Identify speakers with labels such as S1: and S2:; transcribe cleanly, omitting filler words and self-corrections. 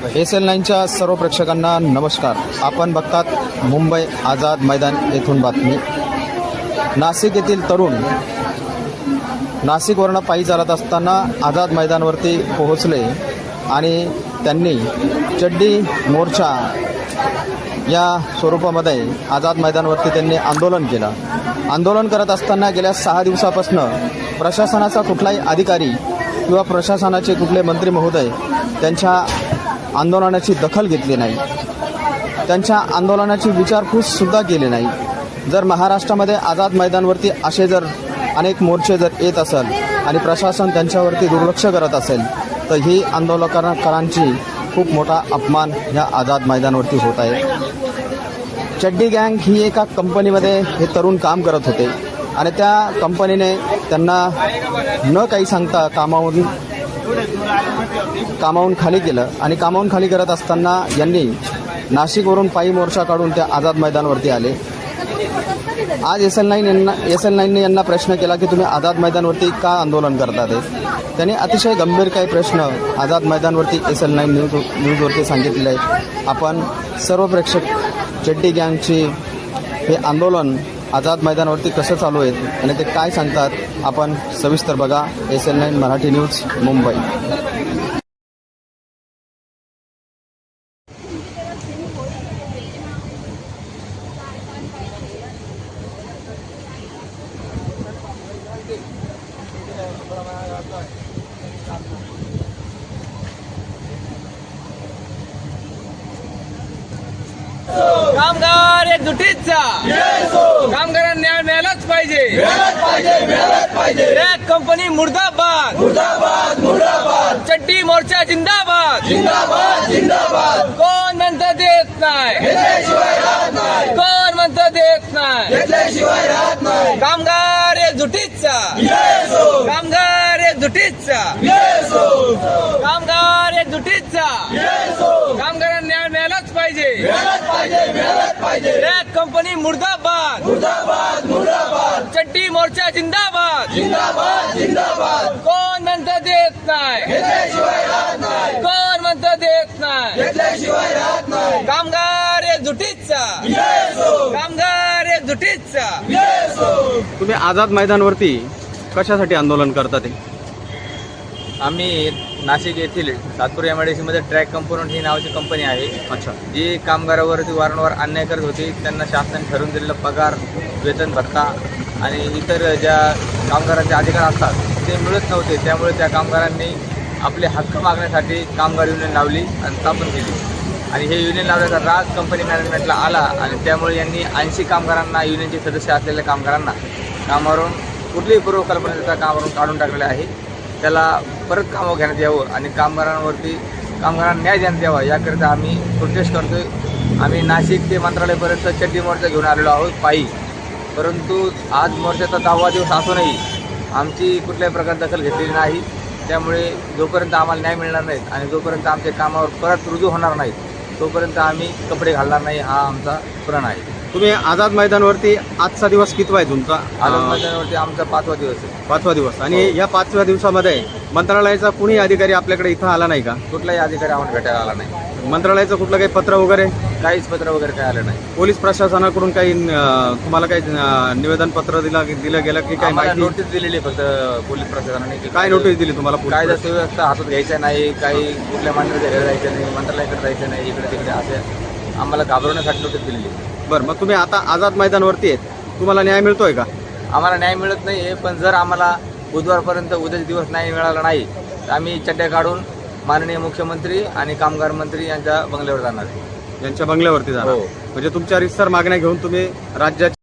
S1: SL9च्या सर्व प्रेक्षकांना नमस्कार. आपण बघतात मुंबई आझाद मैदान येथून बातमी. नाशिक येथील तरुण नाशिकवरून पायी चालत असताना आझाद मैदानावरती पोहोचले आणि त्यांनी चड्डी मोर्चा या स्वरूपामध्ये आझाद मैदानावरती त्यांनी आंदोलन केलं. आंदोलन करत असताना गेल्या 6 दिवसापासून प्रशासनाचा कुठलाही अधिकारी किंवा प्रशासनाचे कुठले मंत्री महोदय त्यांच्या आंदोलनाची दखल घेतली नाही, त्यांच्या आंदोलनाची विचारपूससुद्धा केली नाही. जर महाराष्ट्रामध्ये आझाद मैदानावरती असे जर अनेक मोर्चे जर येत असेल आणि प्रशासन त्यांच्यावरती दुर्लक्ष करत असेल तर ही आंदोलनकारांची खूप मोठा अपमान या आझाद मैदानावरती होत आहे. चड्डी गँग ही एका कंपनीमध्ये हे तरुण काम करत होते आणि त्या कंपनीने त्यांना न काही सांगता कामावून खाली केलं आणि कामावून खाली करत असताना यांनी नाशिकवरून पायी मोर्चा काढून त्या आझाद मैदानावरती आले. आज SL9ने यांना प्रश्न केला की तुम्ही आझाद मैदानावरती का आंदोलन करता ते. त्यांनी अतिशय गंभीर काही प्रश्न आझाद मैदानावरती SL9 न्यूजवरती सांगितलेले आहेत. आपण सर्व प्रेक्षक चड्डी गँगची हे आंदोलन आझाद मैदानावरती कसं चालू आहे आणि ते काय सांगतात आपण सविस्तर बघा. SL9 Marathi news Mumbai.
S2: कामगार एकजुटीचा कामगारांना न्याय मिळालाच पाहिजे. रॅक कंपनी मुर्दाबाद, चड्डी मोर्चा जिंदाबाद. कोण म्हणतं देत नाही, कोण म्हणतं देत नाही. कामगार एकजुटीचा, कामगार एकजुटीचा, कामगार एकजुटीचा. कामगारांना न्याय मिळालाच पाहिजे. रॅक कंपनी मुर्दाबाद, चड्डी मोर्चा जिंदाबाद. कोण म्हणतं देत नाही, कोण म्हणतं देत नाही. कामगार एकजुटीचा, कामगार एकजुटीचा.
S1: तुम्ही आझाद मैदानावरती कशासाठी आंदोलन करता ते?
S3: आम्ही नाशिक येथील सातपूर MIDC मध्ये ट्रॅक कंपोनंट ही नावाची कंपनी आहे.
S1: अच्छा.
S3: जी कामगारावरती वारंवार अन्याय करत होती. त्यांना शासनाने ठरवून दिलेला पगार, वेतन भत्ता आणि इतर ज्या कामगारांचे अधिकार असतात ते मिळत नव्हते. त्यामुळे त्या कामगारांनी आपले हक्क मागण्यासाठी कामगार युनियन लावली आणि स्थापन केली. आणि हे युनियन लावल्याचा राग कंपनी मॅनेजमेंटला आला आणि त्यामुळे यांनी 80 कामगारांना, युनियनचे सदस्य असलेल्या कामगारांना कामावरून कुठलीही पूर्वकल्पना देता कामावरून काढून टाकलेले आहे. त्याला परत कामावर घेण्यात यावं आणि कामगारांना न्याय देण्यात यावा याकरिता आम्ही प्रोटेस्ट करतोय. आम्ही नाशिक ते मंत्रालयापर्यंत चड्डी मोर्चा घेऊन आलेलो आहोत पायी. परंतु आज मोर्चाचा 10वा दिवस असूनही आमची कुठल्याही प्रकारे दखल घेतलेली नाही. त्यामुळे जोपर्यंत आम्हाला न्याय मिळणार नाही आणि जोपर्यंत आमच्या कामावर परत रुजू होणार नाही तोपर्यंत आम्ही कपडे घालणार नाही, हा आमचा प्रण आहे.
S1: तुम्ही आझाद मैदानावरती आजचा दिवस कितवा आहे तुमचा?
S3: आझाद मैदानावरती आमचा 5वा दिवस आहे.
S1: 5वा दिवस. आणि या 5व्या दिवसामध्ये मंत्रालयाचा कुणी अधिकारी आपल्याकडे इथं आला नाही का?
S3: कुठलाही अधिकारी आम्हाला भेटायला आला नाही.
S1: मंत्रालयाचं कुठलं काही पत्र वगैरे?
S3: काहीच पत्र वगैरे काही आलं नाही.
S1: पोलीस प्रशासनाकडून काही तुम्हाला काही निवेदन पत्र दिलं गेलं की काय?
S3: आम्हाला नोटीस दिलेली फक्त पोलीस प्रशासनाने.
S1: काय नोटीस दिली तुम्हाला?
S3: कायदा सुव्यवस्था हातात घ्यायचं नाही, काही कुठल्या मंत्र्याच्या घरी जायचं नाही, मंत्रालयाकडे जायचं नाही, इकडे तिकडे असे आम्हाला घाबरवण्यासाठी नोटीस दिलेली.
S1: बरं, मग तुम्ही आता आझाद मैदानावरती आहेत, तुम्हाला न्याय मिळतोय का?
S3: आम्हाला न्याय मिळत नाही आहे. पण जर आम्हाला बुधवारपर्यंत उद्याचा दिवस न्याय मिळाला नाही तर आम्ही चड्ड्या काढून माननीय मुख्यमंत्री आणि कामगार मंत्री यांच्या बंगल्यावर जाणार.
S1: यांच्या बंगल्यावरती जाणार.
S3: हो.
S1: म्हणजे तुमच्या रितसर मागण्या घेऊन तुम्ही राज्याच्या